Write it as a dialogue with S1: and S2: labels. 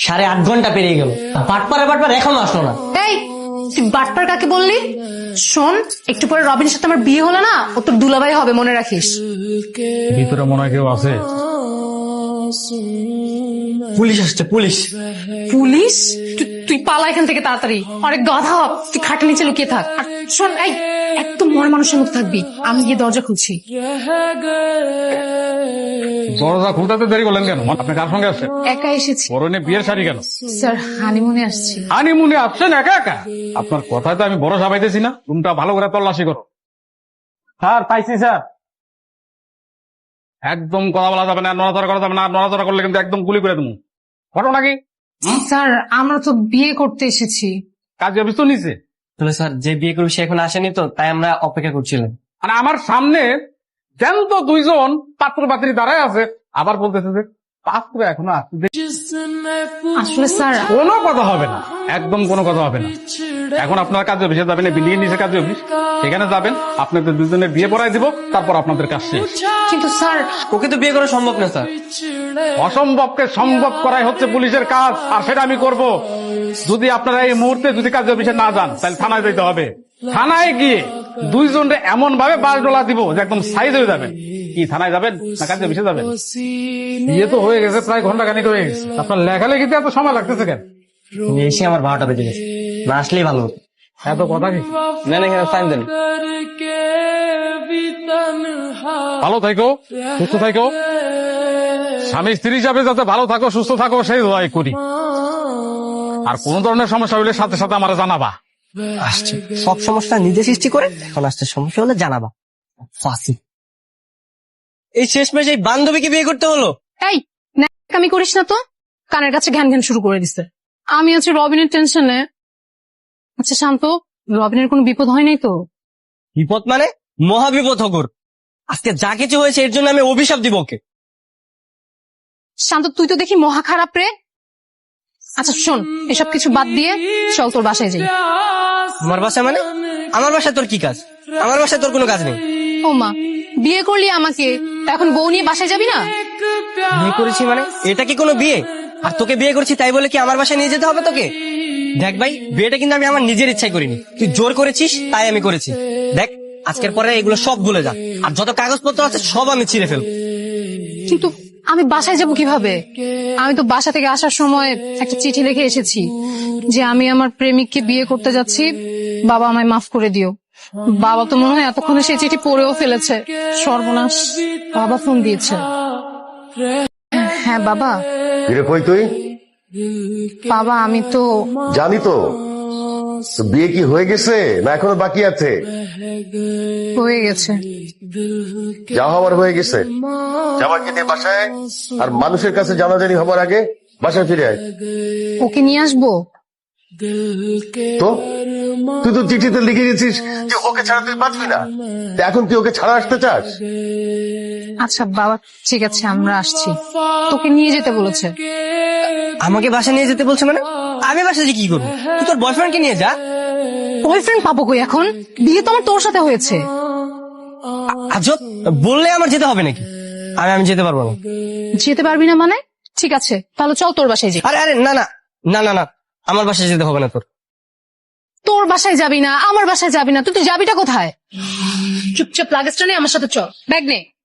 S1: 8.5 ঘন্টা পেরিয়ে গেল, বাটপার এখনো আসলো না।
S2: এই তুই বাটপার কাকে বললি? শোন, একটু পরে রবিনের সাথে আমার বিয়ে হলো না, ও তোর দুলাভাই হবে, মনে রাখিস।
S3: ভিতরে মনে হয় কেউ আছে।
S1: পুলিশ আসছে, পুলিশ।
S2: পুলিশ? তুই পালা এখান থেকে তাড়াতাড়ি, অনেক গাধা, তুই খাটের নিচে লুকিয়ে থাক। আর শোন, এই একদম মরা মানুষের মতো থাকবি, আমি গিয়ে দরজা খুলছি।
S3: দরজা খুলতে দেরি করলেন কেন? আপনি কার সঙ্গে আসছেন?
S2: একা এসেছি
S3: পরনে বিয়ের শাড়ি কেন?
S2: স্যার, হানিমুনে আসছি।
S3: হানিমুনে আসছেন একা একা? আপনার কথায় তো আমি বড় সাবাইতেছি না। রুমটা ভালো করে তল্লাশি করো। স্যার, পাইছি স্যার। একদম কথা বলা যাবে না, নড়াচড়া করা যাবে না। নড়াচড়া করলে কিন্তু একদম গুলি করে দেবো। ঘটনা কি?
S2: স্যার, আমরা তো বিয়ে করতে এসেছি।
S3: কাজে অফিস তো নিচে।
S1: তাহলে স্যার, যে বিয়ে করবে সে এখন আসেনি তো, তাই আমরা অপেক্ষা করছিলাম।
S3: আর আমার সামনে জ্যান্ত 2 জন পাত্র পাত্রী দাঁড়ায় আছে, আবার বলতেছে যে পাত্র এখনো আসছে।
S2: আসলে স্যার,
S3: কোনো কথা হবে না, একদম কোনো কথা হবে না। এখন আপনার কাজে অফিসে যাবেন, বিল্ডিং এর নিচে কাজে অফিস, সেখানে যাবেন। আপনাদের 2 জনের বিয়ে পড়াই দিব, তারপর আপনাদের কাজ শেষ।
S2: কিন্তু স্যার,
S1: ওকে তো বিয়ে করা সম্ভব না স্যার।
S3: অসম্ভবকে সম্ভব করাই হচ্ছে পুলিশের কাজ, আর সেটা আমি করব। যদি আপনারা এই মুহূর্তে যদি কাজে অফিসে না যান, তাহলে থানায় যেতে হবে। থানায় গিয়ে 2 জনরে এমন ভাবে বাস ডলা দিব যে একদম সাইজ হয়ে যাবেন। কি থানায় যাবেন না কাজে অফিসে যাবেন? বিয়ে তো হয়ে গেছে, প্রায় ঘন্টাখানিক হয়ে গেছে। আপনার লেখালেখিতে এত সময় লাগতেছে কেন?
S1: এসে আমার 12টা বেজে গেছে, না আসলেই ভালো হতো।
S3: এত কথা কি?
S1: না না, ফাইন দেন।
S3: ভালো থাকো, সুস্থ থাকো। স্বামী স্ত্রী হিসাবে যাতে ভালো থাকো, সুস্থ থাকো, সেই দোয়াই করি। আর কোন ধরনের সমস্যা হলে সাথে সাথে আমার জানাবা।
S1: আসছে সব সমস্যা নিজে সৃষ্টি করে, এখন আসছে সমস্যা হলে জানাবা। ফাঁসি। এই শেষমেশ এই বান্ধবীকে বিয়ে করতে হলো।
S2: এই ন্যাকামি করিস না তো, কানের কাছে ঘ্যান ঘ্যান শুরু করে দিছে। আমি আছি রবিনের টেনশনে। আচ্ছা শান্ত, রবিনের কোনো বিপদ হয় নাই তো?
S1: বিপদ মানে মহাবিপদ হগর। আজকে যা কিছু হয়েছে এর জন্য আমি অভিশাপ দিব ওকে।
S2: শান্ত, তুই তো দেখি মহা খারাপ রে। আচ্ছা শোন, এসব কিছু বাদ দিয়ে চল তোর বাসায় যাই।
S1: আমার বাসা মানে? আমার বাসায় তোর কি কাজ? আমার বাসায় তোর কোনো কাজ নেই।
S2: ও মা, বিয়ে করলি আমাকে, এখন বউ নিয়ে বাসায় যাবি না?
S1: বিয়ে করেছি মানে এটা কি কোনো বিয়ে? আর তোকে বিয়ে করছি তাই বলে কি আমার বাসায় নিয়ে যেতে হবে তোকে? দেখ ভাই, বিয়েটা কিন্তু আমি আমার নিজের ইচ্ছায় করিনি, তুই জোর করেছিস তাই আমি করেছি। দেখ, আজকের পরে এগুলো সব ভুলে যা, আর যত কাগজপত্র আছে সব আমি ছিঁড়ে ফেলবো।
S2: কিন্তু আমি বাসায় যাব কিভাবে? আমি তো বাসা থেকে আসার সময় একটা চিঠি লিখে এসেছি যে আমি আমার প্রেমিককে বিয়ে করতে যাচ্ছি, বাবা আমায় মাফ করে দিও। বাবা তো মনে হয় এতক্ষণে সেই চিঠি পড়েও ফেলেছে। সর্বনাশ, বাবা ফোন দিয়েছে। হ্যাঁ বাবা।
S4: কিরে কই তুই?
S2: বাবা আমি তো
S4: জানি তো, তো বিয়ে কি হয়ে গেছে না এখনো বাকি আছে?
S2: হয়ে গেছে।
S4: যা হবার হয়ে গেছে, জামাকে নিয়ে বাসায় আয়, আর মানুষের কাছে জানাজানি হবার আগে বাসায় ফিরে আয়।
S2: ওকে নিয়ে আসবো?
S4: তো তুই তো চিঠিতে লিখে গেছিস যে ওকে ছাড়া তুই বাঁচবি না, তা এখন তুই ওকে ছাড়া আসতে চাস?
S2: আচ্ছা বাবা, ঠিক আছে আমরা আসছি। তোকে নিয়ে যেতে বলেছে।
S1: আমাকে বাসা নিয়ে যেতে বলছে মানে? আমি বাসায় কি করবো? তুই তোর বয়ফ্রেন্ডকে নিয়ে যা।
S2: বয়ফ্রেন্ড পাবো কই এখন? বিয়ে তো আমার তোর সাথে হয়েছে।
S1: আজব, বললে আমার যেতে হবে নাকি? আমি যেতে পারবো না।
S2: যেতে পারবি না মানে? ঠিক আছে তাহলে চল তোর বাসায় যাই।
S1: আরে আরে না না না না না, আমার বাসায় যেতে হবে না তোর।
S2: তোর বাসায় যাবি না, আমার বাসায় যাবি না, তুই যাবিটা কোথায়? চুপচাপ লাগেজটা নিয়ে আমার সাথে চল, ব্যাগ নে।